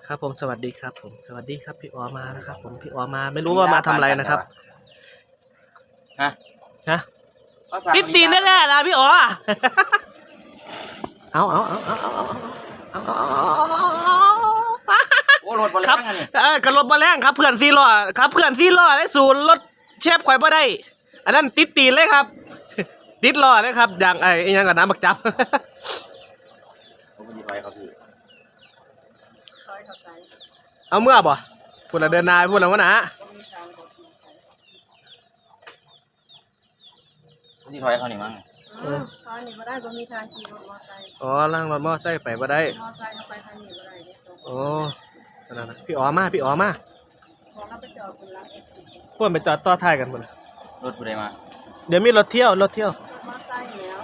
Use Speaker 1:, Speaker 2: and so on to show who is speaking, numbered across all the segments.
Speaker 1: ครับผมสวัสดีครับผมสวัสดีครับพี่อ๋อมาแล้วครับผมพี่อ๋อมาไม่รู้ว่ามาทำอะไรนะครับ
Speaker 2: ฮะ
Speaker 1: ติดตีนแน่ๆล่ะพี่อ๋อเอา
Speaker 2: โอ้รถบอล
Speaker 1: ครับ
Speaker 2: แรงอันนี้
Speaker 1: กระรถมาแรงครับเพื่อนซีล้อครับเพื่อนซีล้อได้ศูนย์รถเชฟข่อยบ่ได้อันนั้นติดตีนเลยครับติดล้อเลยครับอย่างไอ้ยังกับน้ำบักจับ
Speaker 2: ผมไม่ถอยเขาพี่
Speaker 1: เอาเมื่อบ่พูดละเดินนายพูดละวะนะ
Speaker 2: ผมที่ถอยเขานี่มั้ง
Speaker 3: ตอนนี้มาได้บ่มีทางขี่รถมอเตอร์ไซค์
Speaker 1: อ๋อนั่งรถมอไซค์ไปบ่ได้
Speaker 3: มอเตอร์ไซค์เอาไปทางนี้บ่ได้เนี่ยตรง
Speaker 1: โอ้นั่นนะพี่อ๋อมาพี่อ๋อมา
Speaker 3: ของเราไปจอดบนหลังเอ็กซ์
Speaker 1: พวกไปจอดต่อท้ายกันหมด
Speaker 2: รถผู้ใดมา
Speaker 1: เดี๋ยวมีรถเที่ยว
Speaker 3: รถมอเตอร์ไซค์แล้ว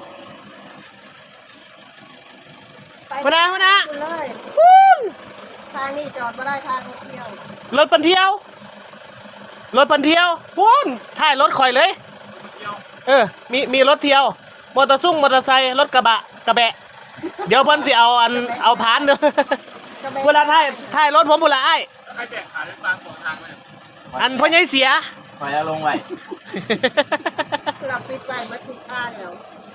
Speaker 3: ไป
Speaker 1: มานะ
Speaker 3: คุณเลยทางนี้จอดบ่ได้ทางรถเที่ยว
Speaker 1: รถปันเที่ยวพุ่นถ่ายรถข่อยเลยมีรถเที่ยวมอเตอร์ไซค์รถกระบะเดี๋ยวเพิ่นสิเอาผ่านเด้อเวลาถ่ายรถผมพุ่นละอ้าย
Speaker 4: ใครแจกขาดกลางสองทางเลย
Speaker 1: อันพ่อใหญ่เสีย
Speaker 2: ถอยแล้วลงไว้
Speaker 3: เราปิดไว้มาทุกท่าแล้ว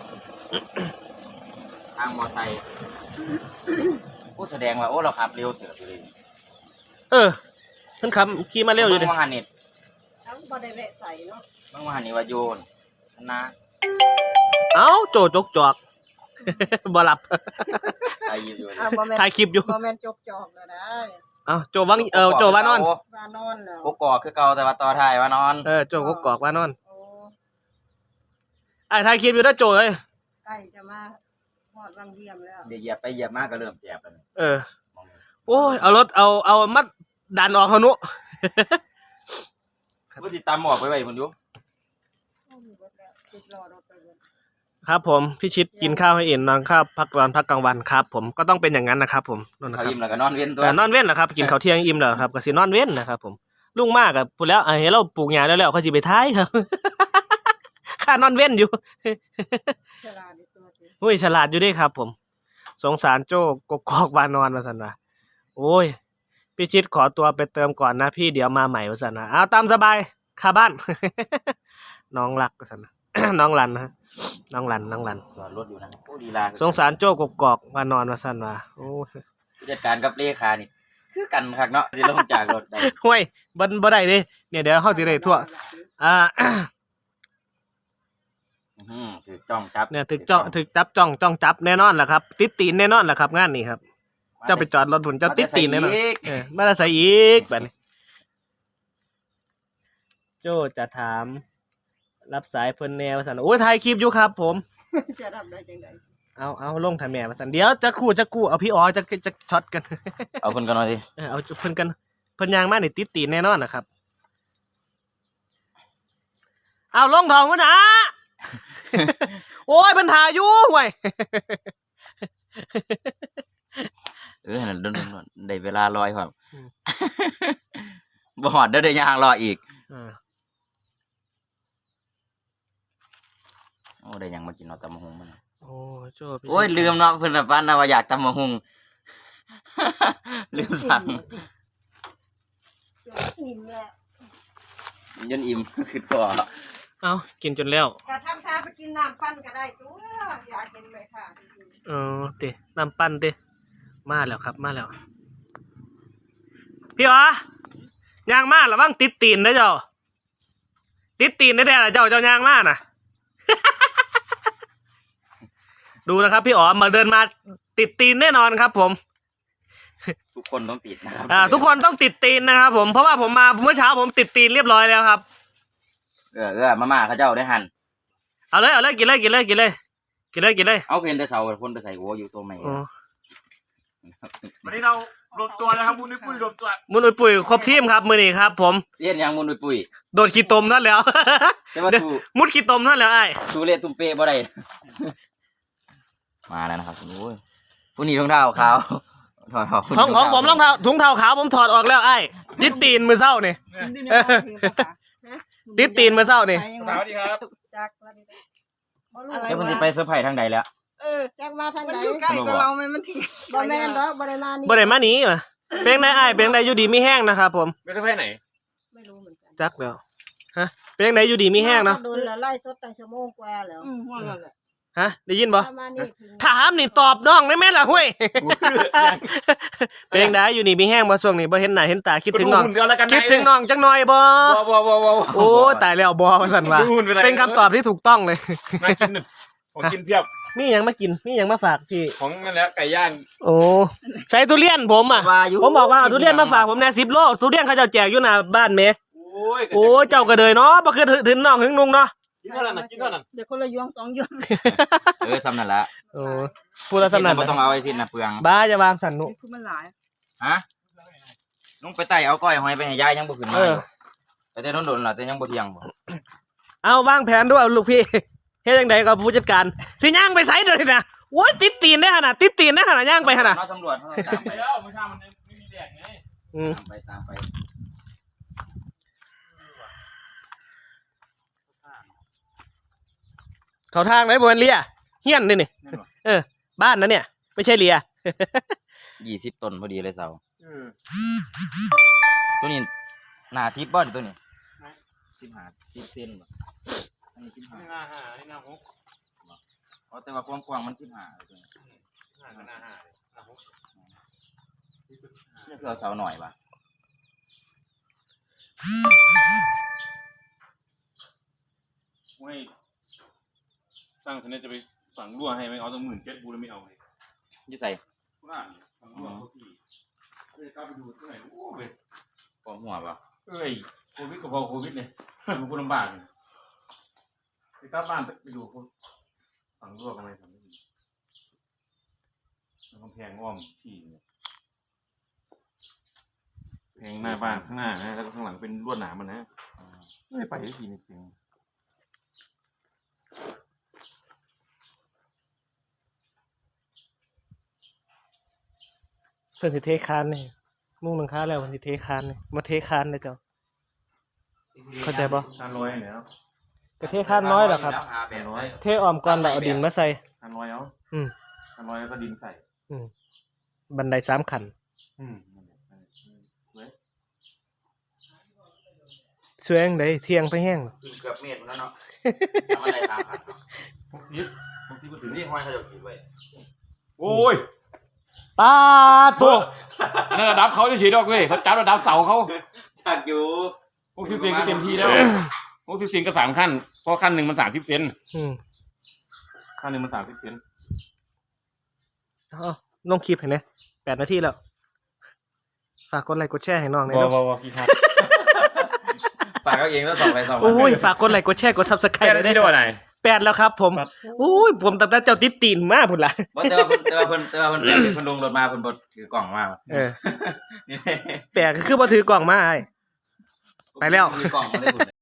Speaker 2: ทางมอไซค์โอ้แสดงว่าโอ้เราขับเร็วเติบอยู่เลย
Speaker 1: เพิ่นขับขี่มาเร็วอยู่ดิ
Speaker 2: บางวันนี่
Speaker 3: ทั้งบ่ได้แวะใส่เนาะ
Speaker 2: บางวันนี่ว่าโยนนะ
Speaker 1: เอ้าโจจกจอก บ่หลับ
Speaker 2: ไอ้อยู่
Speaker 3: บ่แม่น
Speaker 1: ถ่ายคลิปอยู่
Speaker 3: บ่แม่นจกจอกแล้วนะ
Speaker 1: เอ้าโจโจว่านอน
Speaker 3: ว่านอนแล้ว
Speaker 2: กกอกคือเก่าแต่ว่าต่อท้ายว่านอน
Speaker 1: โจกกอกว่านอน
Speaker 3: โอ้
Speaker 1: ไอ้ถ่ายคลิปอยู่นะโจเอ้ย
Speaker 3: ใกล้จะมาฮอดวังเยี่ยมแล้ว
Speaker 2: เดี๋ยวเหยียบไปเหยียบมากก็เริ่มเจ็บแล้ว
Speaker 1: โอ้ยเอารถเอามัดดันออกเขานุ
Speaker 2: ผู้ติดตามหมอกไปไว้คนอยู่
Speaker 3: ติดรอรถไปเลย
Speaker 1: ครับผมพี่ชิดกินข้าวให้อิ่มนอนข้าวพักร้อนพักกลางวันครับผมก็ต้องเป็นอย่างนั้นนะครับผมนั่นนะ
Speaker 2: เขา
Speaker 1: ครับ
Speaker 2: ยิ้มแล้วก็นอนเว้นตัว
Speaker 1: แต่นอนเว้นนะครับกินข้าวเที่ยงอิ่มแล้วครับก็สินอนเว้นนะครับผมลุงมากกับพูดแล้วเห็นเราปลูกหญ้าแล้วเขาสิไปท้ายครับ ค่านอนเว้นอยู่
Speaker 3: ฉลาดในตัวจริง
Speaker 1: อุ้ยฉลาดอยู่เด้ครับผมสงสารโจ้กกอกวานอนมาสันว่าโอ้ยพี่ชิดขอตัวไปเติมก่อนนะพี่เดี๋ยวมาใหม่มาสันนะเอาตามสบายคาบ้าน น้องรักมาสันนะ น้องรันนะน้องรัน
Speaker 2: จอดรถอยู่นะโอ้ดีลา
Speaker 1: สงสารโจ้กกอกวานอนมาสันว่าโอ้ย
Speaker 2: ผู้จัดการกับเลขานี่คือกันคักเนาะสิลงจากรถได้
Speaker 1: ห่วยบ่ได้เด้เนี่ยเดี๋ยวเฮาสิได้ทั่ว
Speaker 2: ถือจ้องจับ
Speaker 1: เนี่ยถึกจับจ้องจับแน่นอนแหละครับติดตีนแน่นอนแหละครับงานนี้ครับเจ้าไปจอดรถผุนเจ้าติดตีนแน่นอนมาได้ใส่อีกแบบนี้โจ้จะถามรับสายเพิ่นแนวสันโอ้ยถ่ายคลิปอยู่ครับผม
Speaker 3: จะทำได้จังได
Speaker 1: เอาลงถ่ายแม่มาสันเดี๋ยวจะกู้เอาพี่อ๋อจะช็อตกัน
Speaker 2: เอาคนกันหน่อยดิ
Speaker 1: เอาเพิ่นกันเพิ่นยางมานี่ติดตีนแน่นอนนะครับเอาลงทองวะนะ โอ้ยปัญหาอยู่ห่วย
Speaker 2: นั่นโดนได้เวลาลอยครับบ่หอดเด้อได้ย่างรออีกโอ้ได้ยังมากินเนาะตำมะฮุงมัน
Speaker 1: โอ้โจ้
Speaker 2: โอ้ยลืมเนาะเพิ่นน่ะปั้นนะว่าอยากตำมะฮุง ลืมสั่ง
Speaker 3: อิ่มแล้ว
Speaker 2: ยันอิ่ม คือตัว
Speaker 1: เอากินจนแล้ว
Speaker 3: กระทำชาไปกินน้ำปั้นก็ได้ตัวอยากกินเลยค่ะจริง
Speaker 1: ติน้ำปั้นติมาแล้วครับมาแล้วพี่อ๋อยางมาระวังติดตีนนะเจ้าติดตีนได้ๆล่ะเจ้ายางมาน่ะ ดูนะครับพี่อ๋อมาเดินมาติดตีนแน่นอนครับผม
Speaker 2: ทุกคนต้องติดนะครับ
Speaker 1: ทุกคนต้องติดตีนนะครับผมเพราะว่าผมมาเมื่อเช้าผมติดตีนเรียบร้อยแล้วครับ
Speaker 2: มาม่าเขาเจ้าได้หั่น
Speaker 1: เอาเลยกินเลย
Speaker 2: เอาเพิ่นแต่เสาคนไปใส่หัวอยู่ตัวใหม่
Speaker 4: วันนี้เรารวมตัวนะครับมุ้ยปุ้ยรวมตัว
Speaker 1: มุนอุยปุ๋ยครบทีมครับมื้อนี้ครับผม
Speaker 2: เรียนยังมุนปุ้ย
Speaker 1: โดนขี้ตมนั่นแล้ว
Speaker 2: แต่ว่าสู้
Speaker 1: มุดขี้ตมนั่นแล้วไอ้
Speaker 2: สู้เละตุ้มเป๊ะบ่ได้ มาแล้วนะครับโอ้ยผู้นี้รองเท้าขาวถอด
Speaker 1: ของผมรองเท้าถุงเท้าขาวผมถอดออกแล้วไอ้ติดตีนมือเศร้านี่ ติดตีนมือเศร้านี่
Speaker 4: สวัสดีครับ
Speaker 3: จักว่าดีบ่รู้
Speaker 2: แล้วเพิ่นสิไปเซอร์ไพรส์ทางใดแล้ว
Speaker 3: จักมาทาง
Speaker 5: มัน
Speaker 3: ไหน
Speaker 5: อยู่ใกล้กับเราไหมมันถึง
Speaker 3: บ่แม่นดอกบ่ได้มานี่
Speaker 1: บ่ได้มาหนีมาเพลงไหนอ้ายเพลงไหนอยู่ดีมีแห้งนะครับผม
Speaker 4: ไม่ใช่แค่ไหน
Speaker 3: ไม่รู้เหมือนกัน
Speaker 1: จักแล้วฮะเพลงไหนอยู่ดีมีแห้งเนาะ
Speaker 3: โดนละไล่สดตั้งชั่วโมงกว่าแล้ว
Speaker 5: ว่างั้นแหละ
Speaker 1: ฮะได้ยินบ่
Speaker 3: ประมาณนี้ถึง
Speaker 1: ถามนี่ตอบน้องได้ไหมล่ะห้วยเพลงไหนอยู่นี่มีแห้งบ่ช่วงนี้บ่เห็นหน้าเห็นตาคิดถึงน้อง
Speaker 4: เดียวแล้วกัน
Speaker 1: คิดถึงน้องจังหน่อยบ่
Speaker 4: บ่
Speaker 1: โอ้ตายแล้วบ่ว่าซั่นว่า
Speaker 4: ดูหุ่นเป็นไร
Speaker 1: เป็นคำตอบที่ถูกต้องเลย
Speaker 4: น่ากินของกินเพียบ
Speaker 1: มีหยังมากินมีหยังมาฝากพี่
Speaker 4: ของนั่นแหละไก่ย่าง
Speaker 1: โอ้ใส่ทุเรียนผมอ่ะ
Speaker 2: ว่าอยู่
Speaker 1: ผมบอกว่าเอาทุเรียนมาฝากผมแน่10 โลทุเรียนเขาเจ้าแจกอยู่หน้าบ้านแหม
Speaker 4: โอ้ย
Speaker 1: โอ้เจ้าก็เดยเนาะบ่คือถึงน้องถึงนุงเนาะ
Speaker 4: กินเท่านั้นนะกินเท่านั้น
Speaker 5: เดี๋ยวคนละยวงสองยวง
Speaker 2: ซ้ำนั่นละ
Speaker 1: โอ้พูดแล้วสำนัน
Speaker 2: บ่ต้องเอาไอ้สิ้นนะเปลือง
Speaker 1: บ้าจะวางสันนุ
Speaker 5: นี่คือมันหลาย
Speaker 2: ฮะลุงไปไต่เอาก้อยหอยไปให้ยายยังบ่ขึ้นมา
Speaker 1: เออ
Speaker 2: อยู่ไปแต่โดนๆล่ะแต่ยังบ่เที่ยงบ่
Speaker 1: เอาวางแผนด้วยลูกพี่เฮ็ดจังไดกับผู้จัดการสิย่างไปไสเด้อนะโอ้ยติดตีนได้ขนาดติดตีนได้ขนาดย่างไปขนาด
Speaker 2: เสำรวจเฮาตาม
Speaker 4: ไป
Speaker 2: ไป
Speaker 4: แล้วเมื่อเช้ามันไม่มีแดดไง
Speaker 1: อืม
Speaker 2: ตามไป
Speaker 1: เขาทางไหนบ่แม่นเลียเฮียนนี่นี่เออ บ้านนะเนี่ย ไม่ใช่เลีย
Speaker 2: 20ต้นพอดีเลยเสาตัวนี้หน้า10บ่นี่ตัวนี้15 10เซนบ่อันนี้
Speaker 4: นี่
Speaker 2: 15
Speaker 4: หน้าห้านี่หน้าหก
Speaker 2: อ๋อแต่ว่ากว้างๆมัน15เลยตัวนี้
Speaker 4: หน้าก็หน้าห้าหน้าหก
Speaker 2: นี่คือเอาเสาหน่อยป่ะ
Speaker 4: ไม่สร้างคนนี้จะไปฝังรั่วให้ไหมเอาตั้ง17,000บูแล้วไม่เอาเลย
Speaker 2: อยู่ใส่
Speaker 4: กูน่าฝังรั่วเขาพี่เลยกล้าไปดูที่ไหนโอ้ย
Speaker 2: กองหัวป่ะ
Speaker 4: เอ้ยโควิดก็พอโควิดเลยมันก็ลำบากเลยไปกลับบ้านไปดูเขาฝังรั่วกันไหมทำไม่ดีแล้วกำแพงอ้อมที่เนี่ยแพงหน้าบ้านข้างหน้านะแล้วก็ข้างหลังเป็นลวดหนามมันนะไม่ไปได้ทีนึงจริง
Speaker 1: เพิ่นสิเทคานนี่มุ่งหลังคาแล้วเพิ่นสิเทคานนี่มาเทคานเลยเจ้า เข้าใจปะ
Speaker 4: ทานร้อยเนี่ยเนาะ
Speaker 1: ก็เทคานน้อยเหรอครับ
Speaker 2: แล้วหาแบบใส่
Speaker 1: เทอ้อมก่อนแล้วเอาดินมาใส่
Speaker 4: ทานร้อยเอา
Speaker 1: อืม
Speaker 4: ทานร้อยแล้วก็ดินใส่
Speaker 1: บันได3 ขั้น
Speaker 4: อืมนั่นแหละเว้ย
Speaker 1: สวยจังไดเที่ยงไปแห้ง
Speaker 2: ขึ้นเกือบเมตรแล้วเนาะทำอะไรตามขันเนาะ
Speaker 4: 60ก็ถึง
Speaker 2: นี่ห้อยเขาจะขีดไว้
Speaker 4: โอ้ย
Speaker 1: ป้าตัว
Speaker 4: อันนั้นระดับเขาจะฉีดดอกเว้ยเขาจับระดับเสาเขา
Speaker 2: จากอยู่
Speaker 4: 60 เซนก็เต็มที่แล้ว60 เซนก็3 ขั้นเพราะขั้นหนึ่งมัน30 เซน
Speaker 1: อืม
Speaker 4: ขั้นหนึ่งมัน30 เซน
Speaker 1: เอาลงคลิปให้แหน่8 นาทีแล้ว ฝากกดไลค์กดแชร์ให้น้องหน่อยเนาะ
Speaker 4: กี่ครับ
Speaker 2: ฝากเขาเองแล้วส่งไปส่งมา
Speaker 1: โอ้ยฝากกดไลค์กดแชร์กด Subscribe
Speaker 4: แค่
Speaker 1: เลย
Speaker 4: ที่
Speaker 1: ได้
Speaker 4: โดนไหน
Speaker 1: 8แล้วครับ ผมโอ้ยผมตั้งแต่เจ้าติดตีนมาพุ่นล่ะ
Speaker 2: บ่แต่ว่าเพิ่นลงรถมาเพิ่นบ่ถือกล่องมา
Speaker 1: เออ
Speaker 2: นี่
Speaker 1: แปลกคือบ่ถือกล่องมาอ้าย ไปแล้ว
Speaker 2: ถือกล่องมาได้พุ่น